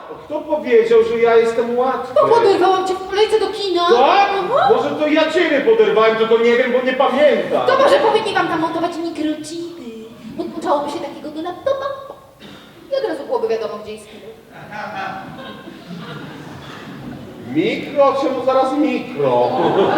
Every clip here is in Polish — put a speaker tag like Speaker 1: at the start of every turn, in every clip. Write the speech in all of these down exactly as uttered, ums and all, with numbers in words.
Speaker 1: Kto powiedział, że ja jestem łatwy?
Speaker 2: Bo poderwałam cię w kolejce do kina.
Speaker 1: Tak?
Speaker 2: Aha.
Speaker 1: Może to ja ciebie poderwałem, tylko nie wiem, bo nie pamiętam.
Speaker 2: To może powinni wam tam montować mikrochipy. Podłączałoby się takiego do laptopa i od razu byłoby wiadomo, gdzie jest kino.
Speaker 1: Mikro? Czemu zaraz mikro?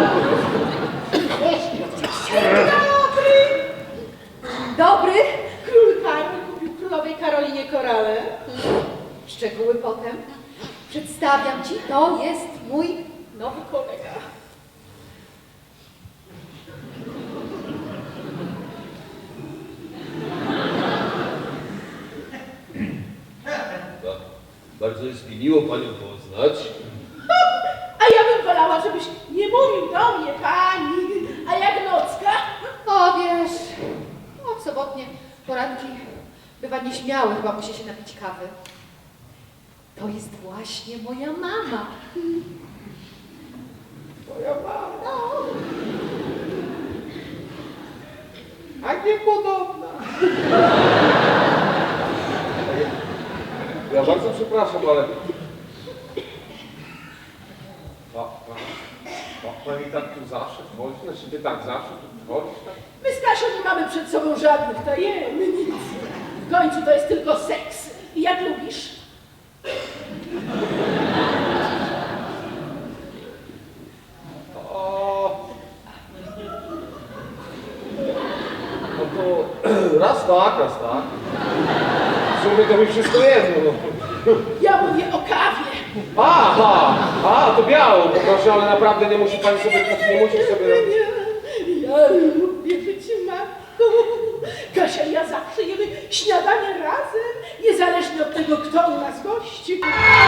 Speaker 3: Dobry!
Speaker 2: Dobry.
Speaker 3: Król Karol kupił królowej Karolinie korale.
Speaker 2: Szczegóły potem. Przedstawiam ci, to jest mój
Speaker 3: Nowy kolega.
Speaker 4: Bardzo jest mi miło panią poznać.
Speaker 3: A ja bym wolała, żebyś nie mówił do mnie, pani. A jak nocka?
Speaker 2: O, wiesz, o, sobotnie poranki bywa nieśmiały, chyba musi się napić kawy. To jest właśnie moja mama.
Speaker 1: Moja mama.
Speaker 2: No,
Speaker 1: A niepodobna. Ja bardzo przepraszam, ale... A, a, a pani tak tu zawsze wchodzi? Znaczy ty tak zawsze tu wchodzisz? Tak?
Speaker 3: My z Kasią nie mamy przed sobą żadnych tajemnic. W końcu to jest tylko seks. I jak lubisz?
Speaker 1: O... No to raz tak, raz tak. W sumie to mi wszystko jedno. No.
Speaker 3: Ja mówię o kawie.
Speaker 1: Aha, a to biało, poproszę, ale naprawdę nie musi pani sobie, nie musi sobie robić.
Speaker 3: Nie, ja lubię być matką. Kasia i ja zawsze jemy śniadanie razem, niezależnie od tego, kto u nas gości.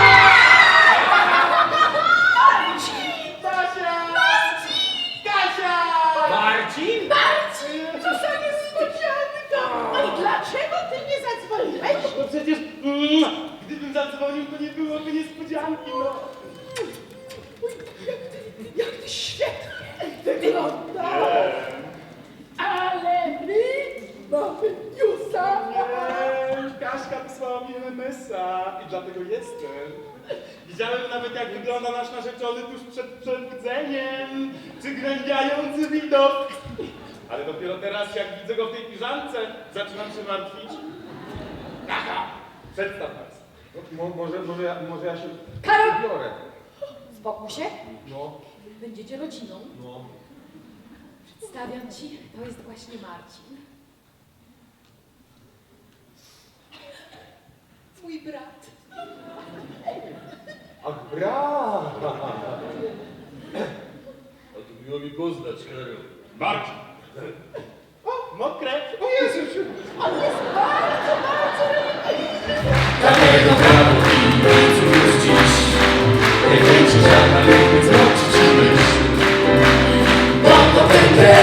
Speaker 3: Marcin!
Speaker 1: Kasia! Kasia!
Speaker 4: Marcin?
Speaker 3: Marcin! Co za niespodzianka! No i dlaczego ty nie zadzwoniłeś?
Speaker 5: No przecież mm, gdybym zadzwonił, to nie byłoby niespodzianki, no.
Speaker 3: Uj, jak ty, jak ty świetnie wyglądasz! Ale my mamy newsa!
Speaker 5: Eee, Kaśka wysłała mi em em es a i dlatego jestem. Widziałem nawet, jak wygląda nasz narzeczony tuż przed przebudzeniem. Przygnębiający widok. Ale dopiero teraz, jak widzę go w tej piżamce, zaczynam się martwić. Aha, przedstaw nas.
Speaker 1: No, mo, może, może, ja, może ja się
Speaker 2: Karol!
Speaker 1: biorę.
Speaker 2: spokój się,
Speaker 1: No,
Speaker 2: będziecie rodziną.
Speaker 1: no.
Speaker 2: Przedstawiam ci, to jest właśnie Marcin. Mój brat.
Speaker 1: Ach, brat!
Speaker 4: A to miło mi poznać, Karol.
Speaker 5: Marcin. O, mokre.
Speaker 1: O Jezu, się...
Speaker 3: On jest bardzo, bardzo religijny.
Speaker 6: Dlatego prawo i ojcu już dziś nie kręci żadna, by złączyć myśl. Bo to ten